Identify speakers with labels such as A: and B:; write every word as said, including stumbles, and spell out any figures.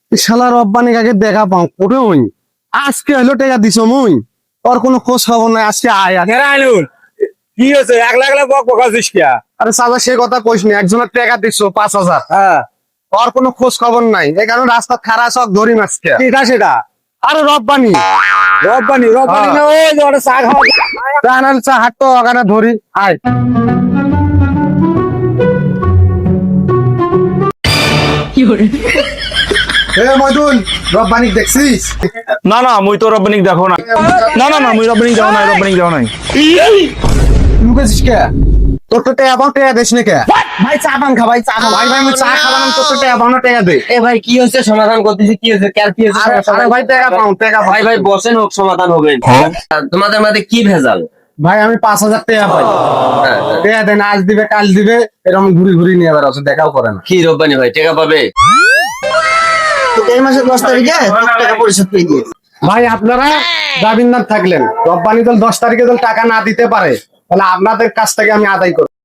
A: শালা রব্বানি কাকে দেখা পাও কোটে হই আজকে হলো টাকা দিছো মুই তোর কোনো খোঁজ খবর নাই আজকে আয় আয়।
B: আইনুল কি হয়েছে একলা একলা বক বকাছিস কি?
A: আরে সাদা সে কথা কইস নি একজনের টাকা দিছো পাঁচ হাজার
B: হ্যাঁ
A: তোর কোনো খোঁজ খবর নাই এই কারণে রাস্তা খারাপ সব ধরি মাছকে
B: কিটা সেটা?
A: আরে রব্বানি
B: রব্বানি রব্বানি না ওই যে ওটা চা খাওয়া
A: টানাল চা হাঁটতো ওখানে ধরি আয় এ মইদুল রব্বানি দেখছিস
B: না না মুই তো রব্বানিক দেখো না না না না মুই রব্বানিক দেখো নাই রব্বানিক দেখো নাই
A: লুকেছিস কে তোর তো টাকা পাও টাকা দিস না কে ভাই চা পান খা ভাই চা খা ভাই ভাই আমি চা খাবাম তোর তো টাকা পাও না টাকা দে
C: এ ভাই কি হচ্ছে সমাধান করতেছি কি হচ্ছে কার কি হচ্ছে
A: আরে
C: সমস্যা
A: আরে
C: নাই?
A: ভাই টাকা পাও টাকা
C: ভাই ভাই বসেন হোক সমাধান হবে তোমাদের মধ্যে কি ভেজাল?
A: ভাই আমি পাঁচ হাজার টাকা পাই টাকা দেন আজ দিবে কাল দিবে এরকম ঘুরি ঘুরি নিয়ে বেড়াচ্ছে দেখাও করে না
C: কি রব্বানি ভাই টাকা পাবে? এই মাসের দশ তারিখে টাকা পরিশোধ করে দিয়ে
A: ভাই আপনারা জামিনদার থাকলেন রব্বানি দল দশ তারিখে দল টাকা না দিতে পারে তাহলে আপনাদের কাছ থেকে আমি আদায় করব